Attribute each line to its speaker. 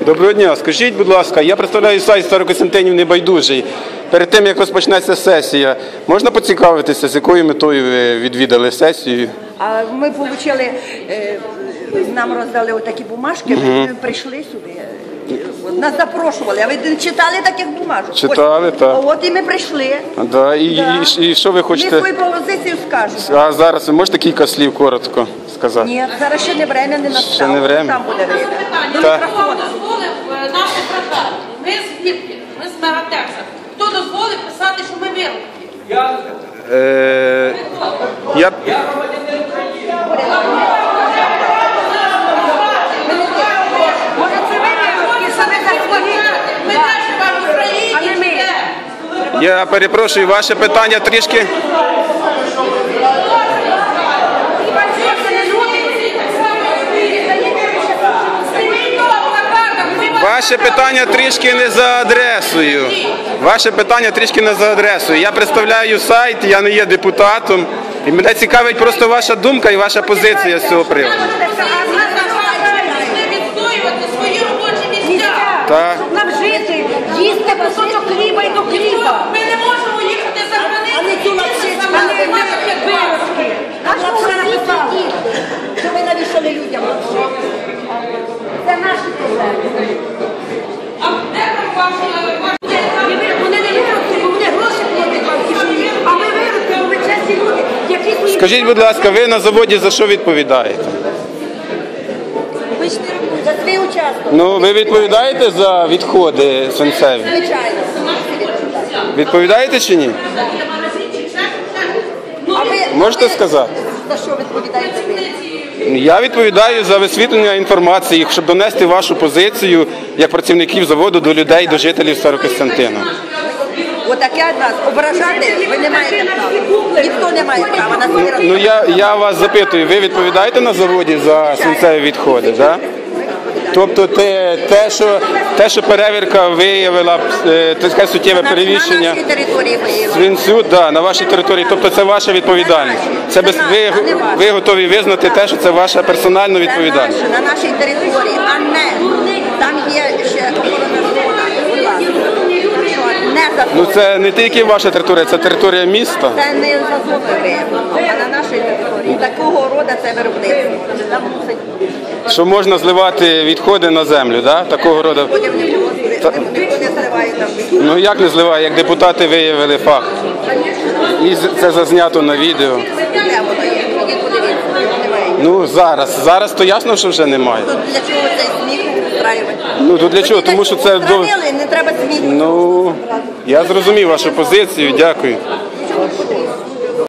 Speaker 1: Доброго дня. Скажіть, будь ласка, я представляю сайт Старокостянтинів Небайдужий. Перед тим, як розпочнеться сесія, можна поцікавитися, з якою метою ви відвідали сесію?
Speaker 2: Ми отримали, нам роздали отакі бумажки, ми прийшли сюди. Нас запрошували, а ви не читали таких бумажок?
Speaker 1: Читали, так.
Speaker 2: От і ми прийшли.
Speaker 1: Да. І що ви хочете?
Speaker 2: Ми свою позицію скажемо.
Speaker 1: А зараз ви можете кілька слів коротко сказати?
Speaker 2: Ні, зараз ще не время, не настало.
Speaker 1: Ще не время?
Speaker 2: Там буде время.
Speaker 3: Хто дозволив нам ображати? Ми звідки? Ми з Мегатекса. Хто дозволив писати, що ми вироки?
Speaker 1: Я
Speaker 2: Може це ви вироки, саме за свої?
Speaker 3: Ми теж вам в Україні йдемо.
Speaker 1: Я перепрошую, ваше питання трішки... Ваше питання трішки не за адресою. Ваше питання трішки не за адресою. Я представляю сайт, я не є депутатом. І мене цікавить просто ваша думка і ваша позиція з цього приводу.
Speaker 3: Ми відстоювати свої робочі місця.
Speaker 1: Так.
Speaker 2: Щоб нам жити, їсти кусочок хліба і до хліба.
Speaker 3: Ми не можемо їхати за границю.
Speaker 2: А не цю лапшичку, а не вироки. Наш лапша написала, що ви навішали людям лапшичку. Це наші проблеми.
Speaker 3: А де там ваші?
Speaker 2: Вони не вироки, бо вони гроші платять вам в кишені. А ми вироки, бо ми чесні люди, які свої...
Speaker 1: Скажіть, будь ласка, ви на заводі за що відповідаєте?
Speaker 2: За свій участок.
Speaker 1: Ну, ви відповідаєте за відходи свинцеві?
Speaker 2: Звичайно.
Speaker 1: Відповідаєте чи ні?
Speaker 2: А ви
Speaker 1: Можете сказати?
Speaker 2: за що відповідаєте ви?
Speaker 1: Я відповідаю за висвітлення інформації, щоб донести вашу позицію як працівників заводу до людей, до жителів Старокостянтина.
Speaker 2: Отаке нас ображати ви не маєте права. Ніхто не має права на свої
Speaker 1: Ну я вас запитую, ви відповідаєте на заводі за свинцеві відходи, так? Тобто те, що перевірка виявила таке суттєве перевищення
Speaker 2: на нашій території виявили.
Speaker 1: свинцю, да, на вашій території, тобто це ваша відповідальність. Це ви готові визнати те, що це ваша персональна відповідальність.
Speaker 2: Це на нашій території, а не там є ще охорона зона. Будь ласка. Не за
Speaker 1: Ну це не тільки ваша територія, це територія міста.
Speaker 2: Це не за зоною, а на нашій території. Такого роду це виробництво. Там мусить
Speaker 1: Що можна зливати відходи на землю, да? Такого роду.
Speaker 2: потім ніхто не зливає там.
Speaker 1: Ну як не зливає, як депутати виявили факт. І це зазнято на відео.
Speaker 2: Де воно є? Ідіть подивіться, немає.
Speaker 1: Ну зараз то ясно, що вже немає.
Speaker 2: Тут для чого цей сміх устраювати?
Speaker 1: Ну то для чого? Тому що це
Speaker 2: Устранили, не треба сміх.
Speaker 1: Ну я зрозумів вашу позицію, дякую.
Speaker 2: Нічого не потрібно.